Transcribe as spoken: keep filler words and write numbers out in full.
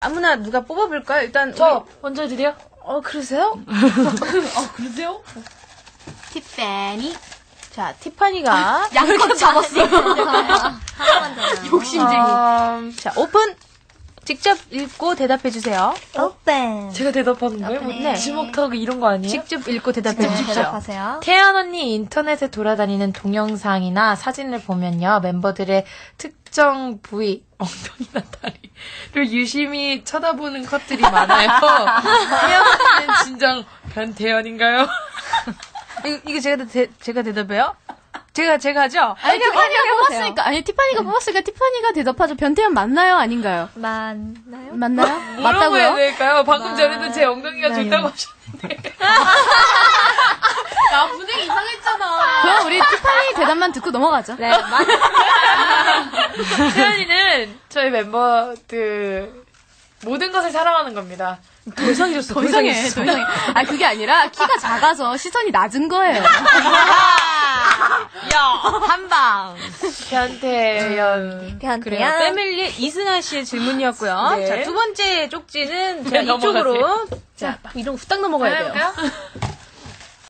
아무나 누가 뽑아볼까요? 일단 저 우리... 먼저 해드려? 어 그러세요? 어 그러세요? 티파니. 자 티파니가 양껏 잡았어요. 욕심쟁이. 어, 자 오픈. 직접 읽고 대답해주세요. 오pen. 제가 대답하는 거예요? 뭐, 네. 지목 타기 이런 거 아니에요? 직접 읽고 대답해주십시오. 대답하세요. 태연 언니 인터넷에 돌아다니는 동영상이나 사진을 보면요. 멤버들의 특정 부위, 엉덩이나 다리를 유심히 쳐다보는 컷들이 많아요. 태연 언니는 진정 변태연인가요? 이거, 이거 제가, 대, 제가 대답해요? 제가, 제가 하죠? 아니, 티파니가 뽑았으니까, 아니, 티파니가 뽑았으니까 티파니가 대답하죠. 변태연 맞나요? 아닌가요? 맞나요? 맞나요? 뭐라고 맞다고요? 해야 될까요? 방금 전에도 제 엉덩이가 좋다고 하셨는데. 야, 분위기 이상했잖아. 그럼 우리 티파니 대답만 듣고 넘어가죠. 네, 맞 태연이는 저희 멤버들 모든 것을 사랑하는 겁니다. 더 이상해졌어. 더 이상해, 더 이상해. 아, 그게 아니라 키가 작아서 시선이 낮은 거예요. 야, 한방. 변태연. 변태연. 그래요. 패밀리 이승아 씨의 질문이었고요. 네. 자, 두 번째 쪽지는 네, 자, 이쪽으로. 넘어가세요. 자, 이런 후딱 넘어가야 돼요. 해볼까요?